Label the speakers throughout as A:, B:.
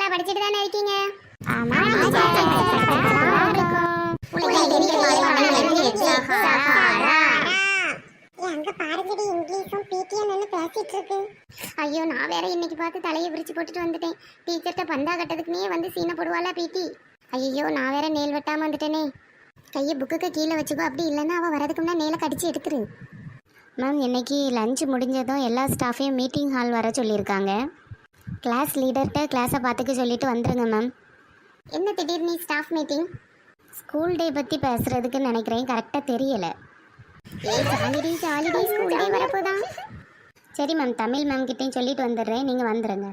A: நல்லா படிச்சிட்டு தானே இருக்கீங்க?
B: ஆமா
A: அங்க பாருங்கடி இங்கிலீஷும் பிடிஎன்னு பேசிட்டு இருக்கு. ஐயோ நான் வேற இன்னைக்கு பார்த்து தலையை விரிச்சு போட்டுட்டு வந்துட்டேன். டீச்சர்கிட்ட பந்தா கட்டதுக்குனே வந்து சீனை போடுவாளா பிடி. ஐயோ நான் வேற நேல் வெட்டாம வந்துட்டேனே. கையை புக்குக்கு கீழே வச்சுக்கோ, அப்படி இல்லைன்னா அவள் வரதுக்கு முன்னா நேலை கடிச்சு எடுத்துரு.
B: மேம் இன்னைக்கு லஞ்ச் முடிஞ்சதும் எல்லா ஸ்டாஃபையும் மீட்டிங் ஹால் வர சொல்லியிருக்காங்க. கிளாஸ் லீடர்கிட்ட கிளாஸை பார்த்துக்க சொல்லிட்டு வந்துருங்க மேம்.
A: என்ன திடீர்னு ஸ்டாஃப் மீட்டிங்?
B: ஸ்கூல் டே பற்றி பேசுகிறதுக்கு நினைக்கிறேன், கரெக்டாக தெரியலை.
A: ஜாலிடே ஸ்கூல் டே வரப்போதான்.
B: சரி மேம், தமிழ் மேம் கிட்டேயும் சொல்லிட்டு வந்துடுறேன், நீங்கள் வந்துடுங்க.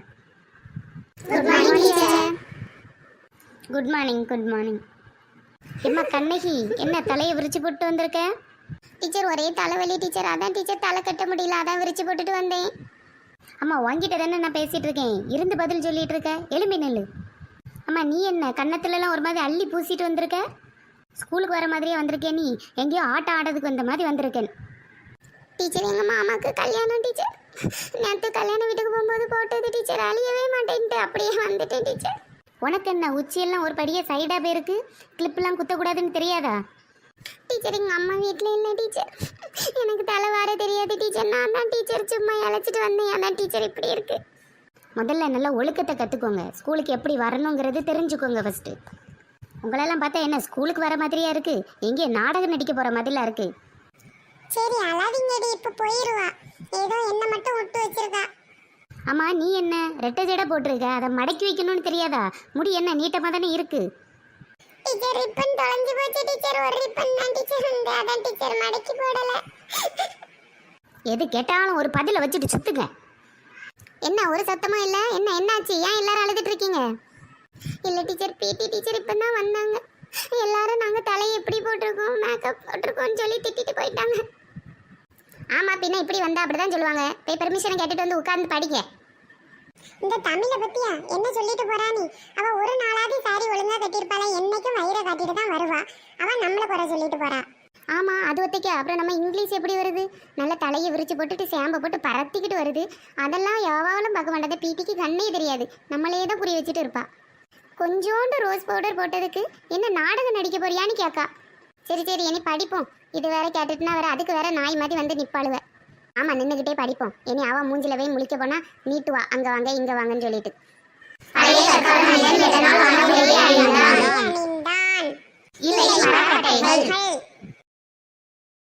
B: Good morning. Good morning. எம்மா கண்ணகி, என்ன தலையை விரிச்சு போட்டு வந்திருக்க?
A: டீச்சர் ஒரே தலைவலி டீச்சர், அதான் டீச்சர் தலை கட்ட முடியல, அதான் விரிச்சு போட்டுட்டு வந்தேன்.
B: அம்மா வாங்கிட்ட தானே நான் பேசிகிட்டு இருக்கேன், இருந்து பதில் சொல்லிட்டு இருக்க, எலும்பி நெல்லு. அம்மா நீ என்ன கன்னத்துலலாம் ஒரு மாதிரி அள்ளி பூசிட்டு வந்திருக்க? ஸ்கூலுக்கு வர மாதிரியே வந்திருக்கேன், நீ எங்கேயோ ஆட்டம் ஆடுறதுக்கு வந்த மாதிரி வந்திருக்கேன்.
A: டீச்சர் எங்கள் மாமாவுக்கு கல்யாணம் டீச்சர். நேற்று கல்யாண வீட்டுக்கு போகும்போது போட்டது டீச்சர், அழியவே மாட்டேன்ட்டு அப்படியே வந்துட்டேன் டீச்சர்.
B: உனக்கு என்ன உச்சியெல்லாம் ஒரு படியே சைடாக போயிருக்கு, கிளிப்லாம் குத்தக்கூடாதுன்னு தெரியாதா?
A: டீச்சர் எங்கள் அம்மா வீட்டில் இல்லை டீச்சர், எனக்கு தலை வார தெரியாது டீச்சர், நான் தான் டீச்சர் சும்மா இழைச்சிட்டு வந்தேன், அதான் டீச்சர் இப்படி இருக்கு.
B: முதல்ல நல்லா ஒழுக்கத்தை கற்றுக்கோங்க, ஸ்கூலுக்கு எப்படி வரணுங்கிறது தெரிஞ்சுக்கோங்க ஃபஸ்ட்டு. உங்களெல்லாம் பார்த்தா என்ன ஸ்கூலுக்கு வர மாதிரியா இருக்குது, எங்கே நாடகம் நடிக்க போகிற மாதிரிலாம் இருக்குது.
A: சரி அழாதீங்கடி, இப்போ போயிடுவா, ஏதோ என்ன மட்டும் விட்டு வச்சிருக்கா.
B: ஆமாம் நீ என்ன ரெட்டை ஜடை போட்டிருக்க, அதை மடக்கி வைக்கணும்னு தெரியாதா? முடி என்ன நீட்டமாக தானே இருக்குது.
A: டீச்சர் ரிப்பன் தொலைஞ்சு போச்சு டீச்சர், ஒரு ரிப்பன் தான் டீச்சர் உண்டு, அதான் டீச்சர் மடக்கி போடலை.
B: எது கேட்டாலும் ஒரு பதிலை வச்சுட்டு சுத்துங்க.
A: என்ன ஒரு சத்தமும் இல்லை, என்னாச்சு, ஏன் எல்லாரும் அழுதுட்டு இருக்கீங்க? இல்லை டீச்சர், பிடி டீச்சர் இப்போ தான் வந்தாங்க, எல்லாரும் நாங்கள் தலையை எப்படி போட்டிருக்கோம் மேக்கப் போட்டிருக்கோம்னு சொல்லி திட்டிட்டு போயிட்டாங்க. ஆமாம் பின்ன இப்படி வந்தால் அப்படி தான் சொல்லுவாங்க, போய் பெர்மிஷனை கேட்டுட்டு வந்து உட்கார்ந்து படிக்க. இந்த தமிழை பற்றியா என்ன சொல்லிட்டு போறா நீ? அவள் ஒரு நாளாவது சாரி ஒழுங்காக கட்டியிருப்பாளா, என்னைக்கும் வயிறை காட்டிட்டு தான் வருவா, அவள் நம்மளை குறை சொல்லிட்டு போறா. ஆமாம் அது ஒத்தைக்க, அப்புறம் நம்ம இங்கிலீஷ் எப்படி வருது, நல்ல தலையை விரிச்சு போட்டுட்டு சேம்பை போட்டு பரத்திக்கிட்டு வருது, அதெல்லாம் எவாவலும் பார்க்க மாட்டாத, பிடிக்கு கண்ணே தெரியாது, நம்மளே தான் புரிய வச்சுட்டு இருப்பா. கொஞ்சோண்டு ரோஸ் பவுடர் போட்டதுக்கு என்ன நாடகம் நடிக்க போறியான்னு கேட்கா. சரி சரி இனி படிப்போம், இது வேற கேட்டுட்டுனா வேற அதுக்கு வேற நாய் மாதிரி வந்து நிப்பாளுவ. ஆமாம் நின்றுக்கிட்டே படிப்போம், இனி அவன் மூஞ்சில போய் முழிக்க போனா நீட்டுவா அங்கே வாங்க இங்கே வாங்கன்னு சொல்லிட்டு. இல்லை